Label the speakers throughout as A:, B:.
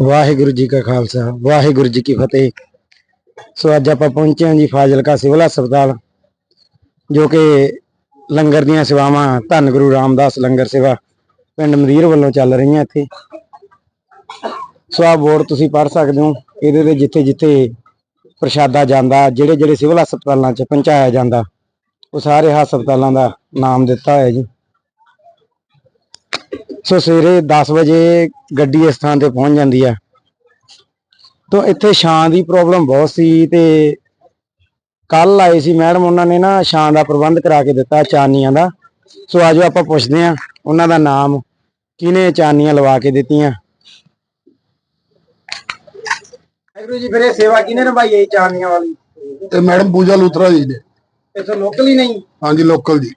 A: वाहिगुरु जी का खालसा वाहिगुरु जी की फतेह। सो अज आप पहुंचे हैं जी फाजिलका सिविल हस्पताल, जो कि लंगर दी सेवावां धन गुरु रामदास लंगर सेवा पिंड मदीर वालों चल रही हैं। इत्थे सो आ बोर्ड तुसीं पढ़ सकते हो। इहदे जिथे जिथे प्रशादा जांदा, जिहड़े जिहड़े सिविल हस्पतालों च पहुंचाया जांदा, वो सारे हस्पतालों का नाम दिता है जी। सो सवेरे 10 बजे गड्डी इस थां ते पहुंच जाती है। तो इत्थे छां की प्रॉब्लम बहुत सी ते कल आए सी मैडम, उन्होंने ना छां का प्रबंध करा के दिता चानियां का। सो आजो आप पुछते हैं उन्हों का नाम, किने चानियां लवा के दित्तियां। वाहिगुरू जी, फिर सेवा किने निभाई है चानियां वाली?
B: मैडम पूजा लूथरा जी ने।
A: इत्थे लोकल ही नहीं?
B: हाँ जी, लोकल जी।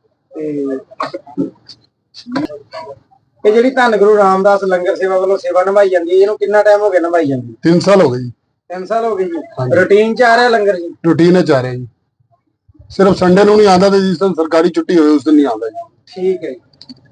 A: जी धन गुरु रामदास लंगर सेवा वालों सेवा निभाई जाती है, कितना टाइम हो गया निभाई जाती?
B: 3 साल हो गए जी।
A: 3 साल हो गए जी। रूटीन च आ रहा लंगर जी?
B: रूटीन च आ रहा जी। सिर्फ संडे नूं नहीं आता, जिस दिन सरकारी छुट्टी हो उस दिन नहीं आता जी।
A: ठीक है।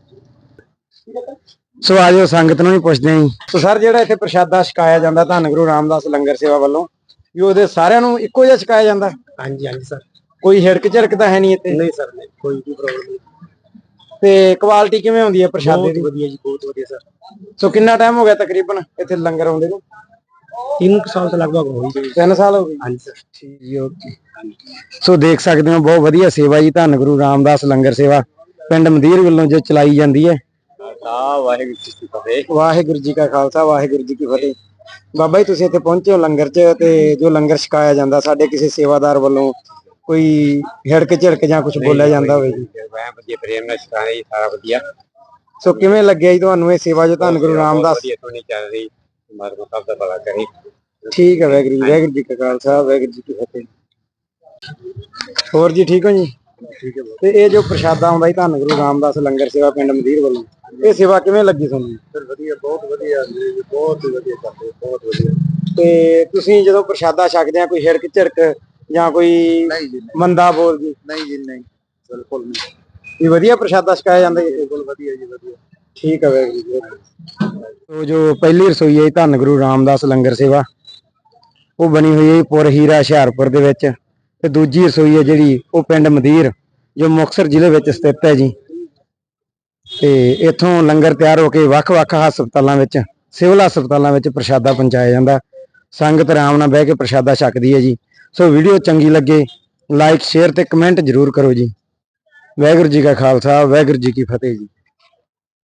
A: सो आज संगत नूं भी पुछदे हैं। सो सर, जिहड़ा इत्थे प्रशादा छकाया जांदा धन गुरु रामदास लंगर सेवा वालों, भी ਉਹਦੇ ਸਾਰਿਆਂ ਨੂੰ ਇੱਕੋ ਜਿਹਾ ਛਕਾਇਆ ਜਾਂਦਾ? ਹਾਂਜੀ ਹਾਂਜੀ ਸਰ। ਕੋਈ ਹਿੜਕ ਝਿੜਕ ਤਾਂ ਹੈ ਨਹੀਂ ਇੱਥੇ? ਨਹੀਂ ਸਰ, ਨਹੀਂ, ਕੋਈ ਵੀ ਪ੍ਰੋਬਲਮ ਨਹੀਂ। ਤੇ ਕੁਆਲਿਟੀ ਕਿਵੇਂ ਹੁੰਦੀ ਹੈ ਪ੍ਰਸ਼ਾਦੇ ਦੀ? ਬਹੁਤ ਵਧੀਆ ਜੀ, ਬਹੁਤ ਵਧੀਆ ਸਰ। ਸੋ ਕਿੰਨਾ ਟਾਈਮ ਹੋ ਗਿਆ ਤਕਰੀਬਨ ਇੱਥੇ ਲੰਗਰ ਆਉਂਦੇ ਨੂੰ? 3 ਸਾਲ ਤੋਂ ਲਗਭਗ ਹੋ ਗਏ। 3 ਸਾਲ ਹੋ ਗਏ? ਹਾਂਜੀ ਸਰ। ਠੀਕ ਜੀ, ਓਕੇ। ਸੋ ਦੇਖ ਸਕਦੇ ਹੋ ਬਹੁਤ ਵਧੀਆ ਸੇਵਾ ਜੀ ਧੰਨ ਗੁਰੂ ਰਾਮਦਾਸ ਲੰਗਰ ਸੇਵਾ ਪਿੰਡ ਮਦੀਰ ਵੱਲੋਂ ਜੋ ਚਲਾਈ ਜਾਂਦੀ ਹੈ। ਵਾਹਿਗੁਰੂ ਜੀ ਕੀ ਫਤਿਹ। ਵਾਹਿਗੁਰੂ ਜੀ ਕਾ ਖਾਲਸਾ ਵਾਹਿਗੁਰੂ ਜੀ ਕੀ ਫਤਿਹ। ਬਾਬਾ ਜੀ, ਤੁਸੀਂ ਇੱਥੇ ਪਹੁੰਚੇ ਹੋ ਲੰਗਰ 'ਚ, ਤੇ ਜੋ ਲੰਗਰ ਛਕਾਇਆ ਜਾਂਦਾ ਸਾਡੇ ਕਿਸੇ ਸੇਵਾਦਾਰ ਵੱਲੋਂ ਕੋਈ ਹਿੜਕ ਝਿੜਕ ਜਾਂ ਕੁਝ ਬੋਲਿਆ ਜਾਂਦਾ ਹੋਵੇ ਜੀ?
C: ਮੈਂ ਵਧੀਆ ਪ੍ਰੇਮ ਨਾਲ ਛਕਾਇਆ ਜੀ, ਸਾਰਾ ਵਧੀਆ।
A: ਸੋ ਕਿਵੇਂ ਲੱਗਿਆ ਜੀ ਤੁਹਾਨੂੰ ਇਹ ਸੇਵਾ ਜੋ ਧੰਨ ਗੁਰੂ ਰਾਮਦਾਸ?
C: ਵਧੀਆ ਸੋਹਣੀ ਚੱਲ ਰਹੀ, ਪਰਮਾਤਮਾ ਸਭ ਦਾ ਭਲਾ ਕਰੇ।
A: ਠੀਕ ਹੈ, ਵਾਹਿਗੁਰੂ ਜੀ ਕਾ ਖਾਲਸਾ ਵਾਹਿਗੁਰੂ ਜੀ ਕੀ ਫਤਿਹ। ਹੋਰ ਜੀ ਠੀਕ ਹੋ ਜੀ? ਠੀਕ ਹੈ। ਤੇ ਇਹ ਜੋ ਪ੍ਰਸ਼ਾਦਾ ਆਉਂਦਾ ਜੀ ਧੰਨ ਗੁਰੂ ਰਾਮਦਾਸ ਲੰਗਰ ਸੇਵਾ ਪਿੰਡ ਮਦੀਰ ਵੱਲੋਂ, ਇਹ ਸੇਵਾ ਕਿਵੇਂ ਲੱਗੀ ਤੁਹਾਨੂੰ?
B: ਸਰ ਵਧੀਆ, ਬਹੁਤ ਵਧੀਆ ਜੀ, ਬਹੁਤ ਹੀ ਵਧੀਆ ਕਰਦੇ, ਬਹੁਤ ਵਧੀਆ।
A: ਤੇ ਤੁਸੀਂ ਜਦੋਂ ਪ੍ਰਸ਼ਾਦਾ ਛਕਦੇ ਆ ਕੋਈ ਹਿੜਕ ਝਿੜਕ ਜਾਂ ਕੋਈ ਮੰਦਾ ਬੋਲ ਜੀ?
B: ਨਹੀਂ ਜੀ, ਨਹੀਂ, ਬਿਲਕੁਲ ਨਹੀਂ।
A: ਵੀ ਵਧੀਆ ਪ੍ਰਸ਼ਾਦਾ ਛਕਾਇਆ ਜਾਂਦਾ ਜੀ?
B: ਬਿਲਕੁਲ ਵਧੀਆ ਜੀ, ਵਧੀਆ।
A: ਠੀਕ ਹੈ ਵਾਹਿਗੁਰੂ ਜੀ। ਜੋ ਪਹਿਲੀ ਰਸੋਈ ਹੈ ਧੰਨ ਗੁਰੂ ਰਾਮਦਾਸ ਲੰਗਰ ਸੇਵਾ, ਉਹ ਬਣੀ ਹੋਈ ਹੈ ਪੁਰ ਹੀਰਾ ਹੁਸ਼ਿਆਰਪੁਰ ਦੇ ਵਿੱਚ, ਤੇ ਦੂਜੀ ਰਸੋਈ ਹੈ ਜਿਹੜੀ ਉਹ ਪਿੰਡ ਮਦੀਰ ਜੋ ਮੁਕਤਸਰ ਜ਼ਿਲ੍ਹੇ ਵਿੱਚ ਸਥਿਤ ਹੈ ਜੀ। ਤੇ ਇੱਥੋਂ ਲੰਗਰ ਤਿਆਰ ਹੋ ਕੇ ਵੱਖ-ਵੱਖ ਹਸਪਤਾਲਾਂ ਵਿੱਚ, ਸਿਵਲ ਹਸਪਤਾਲਾਂ ਵਿੱਚ ਪ੍ਰਸ਼ਾਦਾ ਪਹੁੰਚਾਇਆ ਜਾਂਦਾ। ਸੰਗਤ ਆਰਾਮ ਨਾਲ ਬਹਿ ਕੇ ਪ੍ਰਸ਼ਾਦਾ ਛਕਦੀ ਹੈ ਜੀ। ਸੋ ਵੀਡੀਓ ਚੰਗੀ ਲੱਗੇ ਲਾਈਕ ਸ਼ੇਅਰ ਤੇ ਕਮੈਂਟ ਜ਼ਰੂਰ ਕਰੋ ਜੀ। ਵਾਹਿਗੁਰੂ ਜੀ ਕਾ ਖਾਲਸਾ ਵਾਹਿਗੁਰੂ ਜੀ ਕੀ ਫਤਿਹ ਜੀ।